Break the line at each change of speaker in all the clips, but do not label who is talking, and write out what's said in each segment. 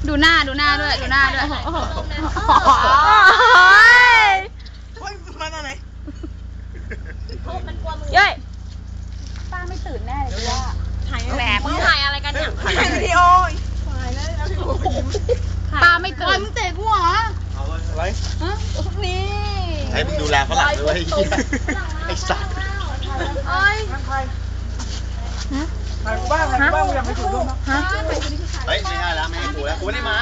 ดูหน้าด้วยดูหน้าด้วย
เฮ้ยมาตอนไหน
เย้ยป้าไม่ตื่นแน่เลยว่าถ่ายแหลกมึงถ่ายอะไรกันเนี่ย
ถ่ายวิดีโอ
ป้าไม่ตื่นมึงเตะกูเหรอ
เอาไว้
นี่
ให้มึงดูแลฝรั่งด้วยไอ้สัตว์
เอ้ย
ถ่ายกูบ้างกูอยากไปถูกด้วย
เฮ้ยไม่ได้แล้วไม่ให้กูแล้วกูไม่ได้มา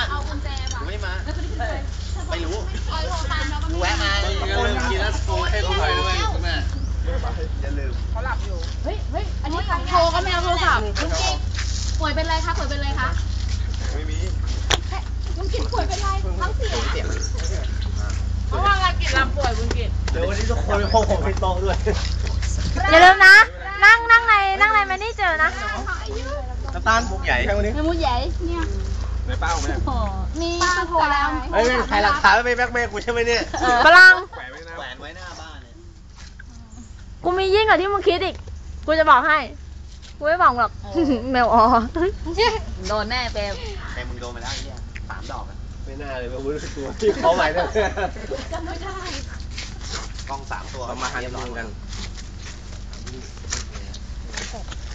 ไม่รู้กูแวะมากูลืมกินแล้วกูให้กูถ่ายด้วยคุณแม่อย่าลืม
เขาหลับอยู่
เฮ้ยอันนี้โทรก็ไม่เอาโทรศัพท์ลุงกิ๊กป่วยเป็นไรคะ
ไม่มี
ลุงกิ๊กป่วยเป็นไรท้องเสียเพราะว่าการกินลำป่วยลุงกิ๊ก
เดี๋ยววันนี้ทุกคนไปพบผมที่โต๊ะด้วย
อย่าลืมนะนั่งในไม่ได้เจอนะ
น้ำตาลมุกใหญ่
ไม่มุกใหญ่เนี่ย
ไม่เป้าไหม
มีป้าโทรแล้ว
ไม่ใครหลักฐานไม่แบกเมย์กูใช่ไหมเนี่ย
ฝรั่ง
แขวนไว้หน้าบ้านเนี่ย
กูมียิ่งกว่าที่มึงคิดอีกกูจะบอกให้กูไม่บอกหรอกแมวอ๋อ
โดนแน่เปม
แต่มึงโดนไปแล้วเนี่ย3 ดอกไม่น่าเลยมาวุ้นตัวที่เขาใหม่เนี่ย
จำไม่ได้
กล้อง3 ตัว
มาหันกัน